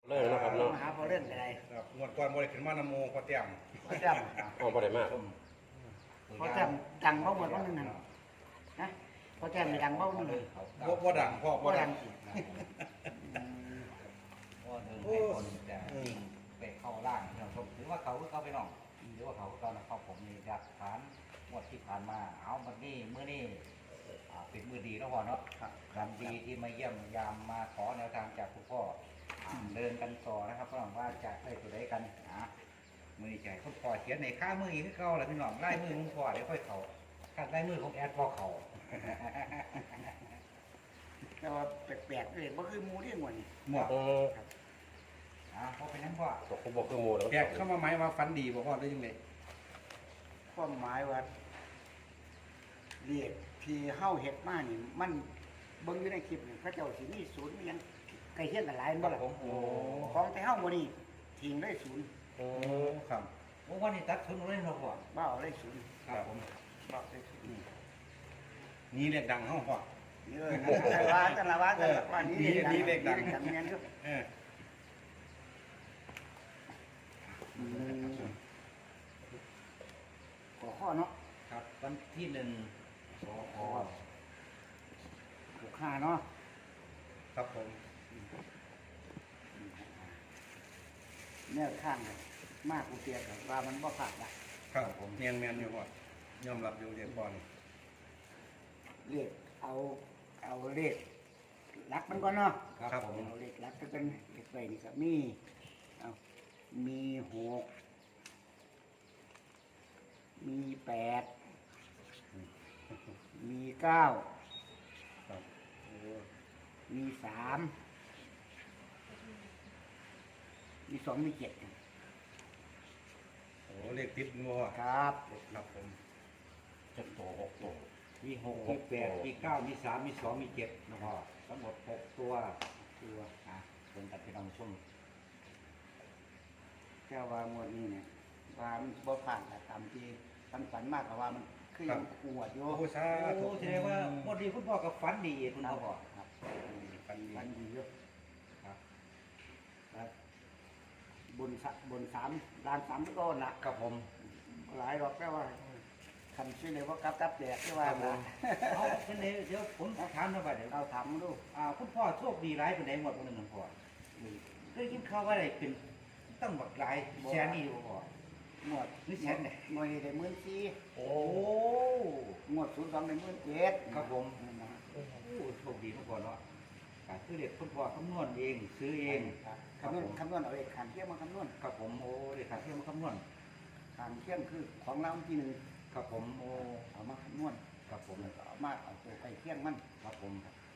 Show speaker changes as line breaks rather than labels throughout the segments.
เลิกนะครับเนาะ
มาหาพอเรื่องอะไร
ครับงวดก่อนบ่ได้ขึ้นมานำโมพอเตรียม
พอจ
อ๋อบ่ได้มาก
ำพอจำดังบ้างหมดบ้างนึงนะพอจำดังบ้างนึง
บ่ดังพ่อบ่
ก็
ดั
ดั
ง
ง
ก็เดินให้คนจะวิ่งไปเข้าล่างนะครับถือว่าเขาไปน้องหรือว่าเขาตอนนะครับผมมีหลักฐานงวดที่ผ่านมาเอาวันนี้เมื่อนี้เป็นมือดีแล้วพอเนาะวันดีที่มาเยี่ยมยามมาขอแนวทางจากคุณพ่อเดินกันต่อนะครับเพราะว่าจะได้ตัวใดกันมือใจคุณพ่อเขียนในข้ามืออีกที่เขาแหละพี่น้องไล่มือคุณพ่อเดี๋ยวค่อยเขาขัดไล่มือของแอดพอเขา
แต่ว่าแปลกๆเลยบ่คือมูที่งวดนี่
หมด
พอเป็นนั้นพ่อ
ตกคุบอกคือหมูแล้ว
แกเข้ามาหมายว่าฝันดีบ่พ่อได้ยังไง
ความหมายว่าเรียกที่เฮาเฮ็ดมานี่มันเบิ่งอยู่ในคลิปนี่พระเจ้าสิมีศูนย์มีหยังใกล้เคียงกันหลายบ่ล่ะ
ผมโอ้
ของแต่เฮาบ่นี่ทิ้งได้ศูนย์
อื
โอ้
ม
ครับ
วันนี้ตัดทุนเล่นเราพ่อ
บ่เอาได้ศูนย์
ครับผม
บ่เอาได้ศูนย์
นี่เรียกดังเฮาพ่อ
เออแต่ว่าแต่ละว่าแต่ละว่านี่
นี่เลขดัง
นี่แม่นอยู่
เออ
ขอข้อเนาะ
ครับวันที่1 สค
65เนาะ
ครับผม
แนวข้างเลยมากกูเตียกับว่ามันบ่ขาดละ
ครับผมเนียนแมนอยู่พ่อยอมรับอยู่เรียกพ่อนี่
เลขเอาเลขหลักมันก่อนเนาะ
ครับผม
เอาเลขหลักก็เป็นเลขไปนี่ก็มีเอามี6มี8มี9
ครับโอ้
มี3มี2มี7
โหเลขติดงัว
ครับ
ครับผม
จะโต6 โต
มี6มี8มี9มี3มี2มี7นะพ่อทั้งหมด6ตัวเป็นตัดพี่น้องชม
แค่ว่างวดนี้เนี่ยว่ามันบ่ผ่านแต่ตามที่ฝันมากกว่ามันคือยังปวดอยู่
โอ้สาธุ
โอ้แสดงว่าวันดีคุณพ่อกับฝันดีคุณพ่อ
ครับ
ฝันดี
ฝันดีอยู่
ครับ
ครับบนล้าน3ก้อนละ
กับผม
หลายดอกแค่ว่าคันชื่อเลยว่ากลับแดกที่ว่า
ครับผ
นะ
มเอาเช่นนี้เดี๋ยวผมถามหน่อยว่าเดี๋ยว
เอาถามดู
คุณพ่อโชคดีร้ายเป็นไหนหมดวันหนึ่งพ่อได้ยินข่าวว่าอะไรเป็นตั้งบักหลายแสนนี่พ่อ
หมด
นี่แสนไหน
หน่วยได้14,000
โอ้
หมด02ได้17,000
ครับผม
นั่นนะ
โอ้โชคดีทุกคนเนาะคือเด็กคุณพ่อคำนวณเองซื้อเอง
ครับ
ครับผม
คำนวณเอาเองขันเที่ยงมาคำนวณ
ครับผมโอ้เด็กขาเที่ยวมาคำนวณ
ขันเที่ยงคือของเราที่หนึ่ง
ครับผมโอ้
เอามาคำนวณ
ครับผม
แล้วก็เอามาเอาตัวไปเที่ยงมัน
ครับผม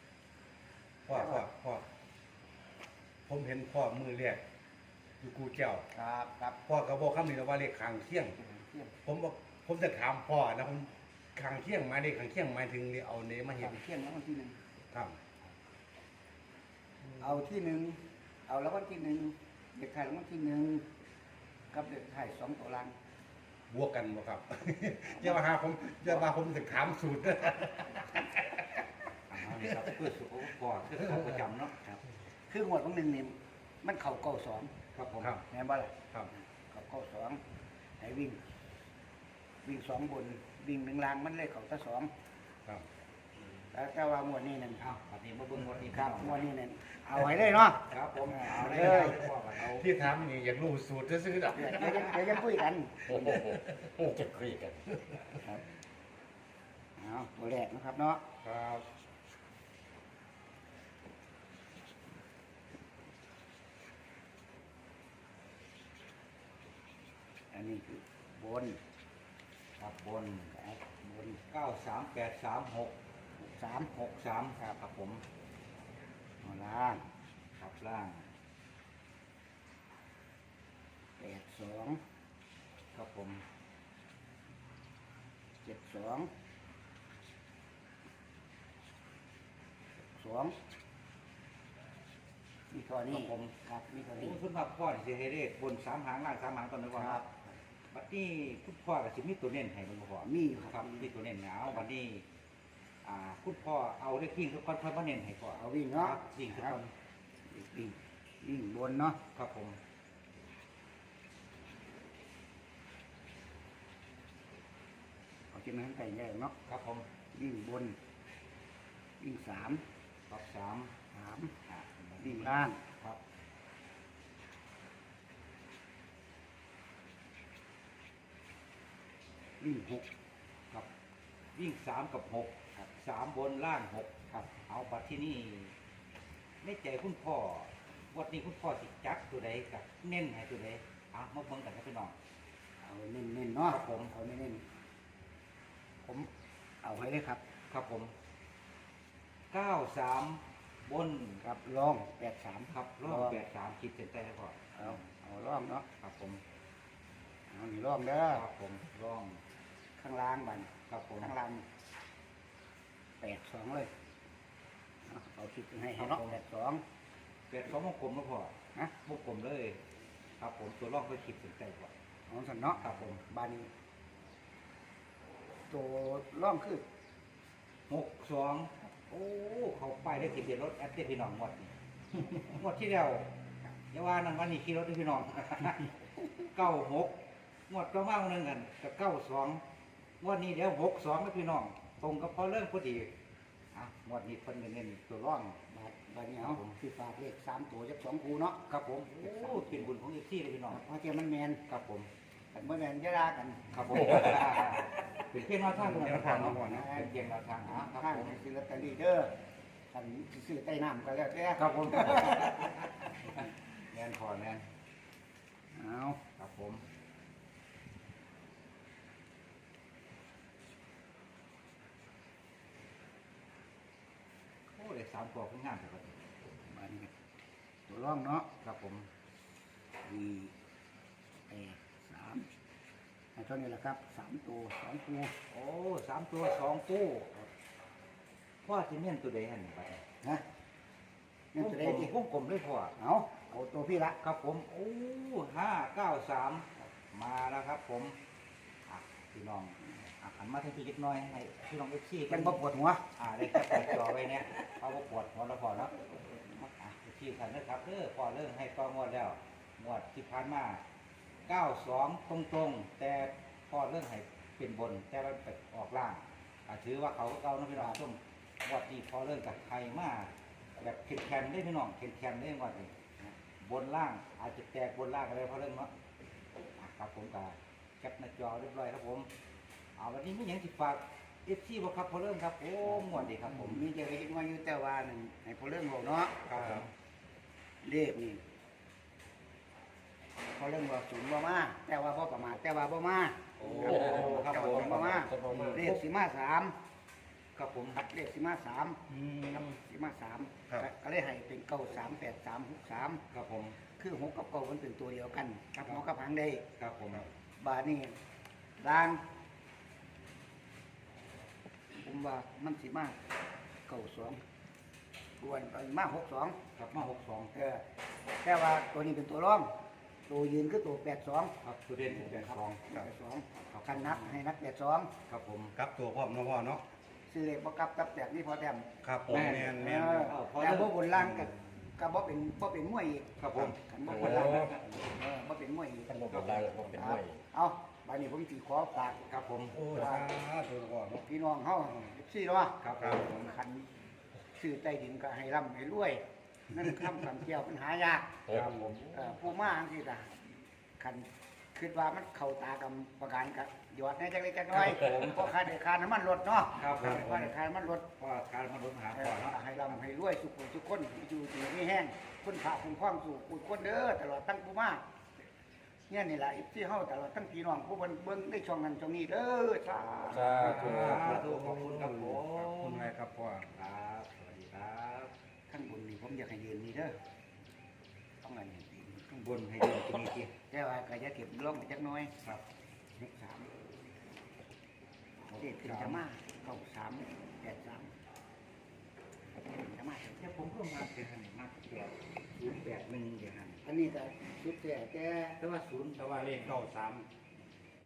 พ่อผมเห็นพ่อมือแรกอยู่กูเจ้า
ครับครับ
พ่อก็บอกคำนี้แล้วว่าเลขขางเที่ยง
เที่ยง
ผมบอกผมจะถามพ่อนะผมขางเที่ยงหมายเลขขางเที่ยงหมายถึงนี่เอาเนมาเห็
ขั
น
นเที่ยงแล้ววันที่หนึ่ง
ครับ
เอาที่หนึ่งเอาแล้ววันที่หนึ่งเด็กไทยแล้ววันที่หนึ่งกับเด็กไทย2ตัวลัง
บวกกันบ่ครับ อย่ามาหาผมอย่ามาผมจะถามสูตร
นี่ครับเพื่อสุขภาพพ่อคือเขาประจำเนาะครับ
คือหมวดของหนึ่งนี่มันเข่าเก้าสอง
ครับผม
ครับ
แม่นบ่ล่ะ
ครับ
เข่าเก้าสองให้วิ่ง2บนวิ่ง1ล่างมันเลยเข่าแต่2
ครับ
แล้วแต่ว่าหมวดนี้นั่น
อ้าวอันนี้มาเบิ่งวันนี้
ครับหมวดนี้นั่นเอาไว้เลยเนาะ
ครับผมเอาเลยพ่อเอา
ที่ถามนี่อยากรู้สูตรซื้อๆดอก
เดี๋ยวยังคุยกัน
โอ้โหจะคุยกัน
เอาตัวแรกนะครับเนาะ
ครับ
อันนี้คือบน
ครับบน
ครับบน
93836
3
63ครับผม
เอาล่าง
ครับล่าง
82
ครับผม
72 2มีเท่านี้ครับมีเท่านี้
คุณพ่อพ่อสิให้เลขบน3หางล่าง3หางตอนนี้ก่อนครับบัดนี้คุณพ่อก็สิมีตัวเน้นให้มันบ่พอ
มีอยู่
ค
ค
รั
รั
บบ มีตัวเน้นหนาวบัดนี้คุณพ่อเอาเลขวิ่งทุกคนเพิ่นมาเน้นให้พ่อ
เอาวิ่งเนาะ
ครับวิ่งทุกคน
วิ่งวิ่งบนเนาะ
ครับผม
เอาที่มันไก่ใหญ่เนาะ
ครับผม
วิ่งบนวิ่งสาม
ครับสาม
สาม
อ่า
วิ่งล่าง
ครับ
วิ่งหก
ครับวิ่ง3 กับ 6ครับ3 บนล่าง 6ครับเอาบัตรที่นี่ในใจคุณพ่อวันนี้คุณพ่อสิจัดตัวใดกับเน้นให้ตัวใดอ่ะมาเบิ่งกันครับพี่น้อง
เอาเน้นๆเนาะ
ครับผม
เอาเน้นๆผมเอาให้เลยครับ
ครับผม93บน
ครับล่อง83
ครับรอบ83คิดเส้นใต้ให้พ่อ
เอาล่องเนาะ
ครับผม
เอานี่ล่องเด้อ
ครับผมร่อง
ข้างล่างบัน
ครับผม
ข้างล่าง82เลยเอาคิดให้เนาะ82
82วงกลมแล้วพ่อ
นะ
วงกลมเลย ครับผมตัวร่องก็คิดเส้นใต้พ่อ
เอาสันเนาะ
ครับผม
บานนี้ตัวล่องคือ
62โอ้เขาไปได้ทะเบียนรถแอดเดพี่น้องหมดนี่ หมดที่แล้วอย่าว่านั่นวันนี้ขี่รถด้วยพี่น้อง 96งวดก็มาหนึงกันกับ92งวดนี้เดี๋ยว62แล้วพี่น้อง ตรงกับพอเริ่มพอดีอ่ะงวดนี้เพิ่นก็เน้นตัวร่อง
บานนี้เอาสิฝากเลข3ตัวจัก2คู่เนาะ
ครับผมโอ้เป็นบุญของอีกที่เลยพี่น้อง
เพราะเทียมันแมน
ครับผม
กันบ่แมนอย่าลากัน
ครับผม เป็นเพียงแนวทางของเราเนาะเป็นเพียงแนวทางอ่ะครับ
ข้าง
ผม
ซื้อลอตเตอรี่เด้อคันซื้อใต้น้ำก็แล้วแต่
ครับผมแมนพอแมน
เอา
ครับผมโอ้เลย3 ตัวขึ้นงานครับ
บานนี้ก็ตัวร่องเนาะ
ครับผม
มี3ให้เท่านี้แหละครับ3ตัว2คู่
โอ้3 ตัว 2 ตู้พ่อจะเมียนตัวใดหันไป
นะนี่จะได้ดี
วงกลมเลยพ่อ
เอาตัวพี่ละ
ครับผมโอ้593มาแล้วครับผมอ่ะพี่น้องอ่ะหันมาทางพี่เล็กน้อยให้พี่น้องเอฟซี
เป็นบ่ปวดหัว
ได้แค่ปวดจอไว้เนี่ยเขาก็ปวดหัวแล้วพอแล้วอ่ะเอฟซีทันนะครับพอเรื่องให้ก็งวดแล้วงวดที่ผ่านมา92ตรงๆแต่พอเรื่องให้เป็นบนแต่มันไปออกล่างถือว่าเขาก็เก่านะพี่น้องส้มงวดที่พอเรื่องกับใครมาแบบเข็นแคนได้พี่น้องเข็นแคนได้งวดนี้บนล่างอาจจะแตกบนล่างอะไรเพราะเรื่องเนาะครับผมกับแคปหน้าจอเรียบร้อยครับผมเอาวันนี้ไม่ยังติดฝากเอฟซีบ่ครับพอเรื่องครับโอ้งวดดีครับผม
มีเจะเล็กน้อยอยู่แต่ว่านั่นให้พอเรื่องบอกเนาะ
ครับผม
เลขนี่พอเรื่องบอกศูนย์บ่มาแต่ว่าบ่ประมาทแต่ว่าบ่มา
โอ้
ครับ
ครับ
ผ
ผม ม
บ่มาเลขสิมา3
ครับผม
ครับเลขสิมา3ครับสิมา3ก็เลยให้เป็น938363
ครับผม
คือ6กับ9มันเป็นตัวเดียวกันครับหัวกับหางได้
ครับผม
บาดนี้ล่างผมว่ามันสิมา92ส่วนไปมา62
ครับมา62
แต่ว่าตัวนี้เป็นตัวร่อง ตัวยืนคือตัว82
ครับตัวเด่น82
82คันนักให้นัก82
ครับผม
กลับตัวพร้อมเนาะพ่อเนาะ
ซื้อเลขบ่กลับกับแบบนี้พอแต้ม
ครับผมแม่นแม่น
แต่บ่บนล่างก็บ่เป็นมวยอีก
ครับผม
คันบ่บนล่างบ่เป็นมวยอีก
ท่านบอกว่าได้ผมเป็นด้วย
เอาบัดนี้ผมสิขอฝาก
ครับผม
โอ้สาธุพ่อเนาะ
พี่น้องเฮาซี่เนาะ
ครับ
ครับ
คันซื้อใต้ดินก็ให้ร่ำให้รวยนั่นคำเกี่ยวปัญหายาก
ครับผม
ผู้มาจังซี่ล่ะคันคิดว่ามันเข้าตากับประกันก็หยอดให้จักเล็กจักน้อยเพราะค่าได้ค่าน้ำมันลดเนาะ
ครับผม
ค่าได้ค่าน้ำมันลด
ว่าการมาลดหาก่อนเนาะ
ให้ร่ำให้รวยสุขทุกคนอยู่ดีไม่แห้งคนพระคุณคล้องสู่คุณคนเด้อตลอดตั้งผู้มาเนี่ยนี่แหละที่เฮาตลอดตั้งพี่น้องผู้เบิ่งได้ช่องนั้นช่องนี้เด้อสา
สาธุ
ขอบคุณครับผ
ขอบคุณ
ม
อะไรครับพ่อ
ครับสวัสดีครับ
ข้างบนนี่ผมอยากให้ยืนนี่เด้อต้องอันนี้ข้าง
บบ น
น
ให้เดินตรงนี้ที
แต่ว่าก็จะเก็บลงไปจักหน้อย
ครับ
เลข3เลขขึ้นจะมาเข้า3 8 3จะมา
แต่ผมก็มาเป็นหันมาก081เดี๋ยวหัน
อันนี้ก็สุดแต่
แต่ว่า0
แต่ว่าเลข93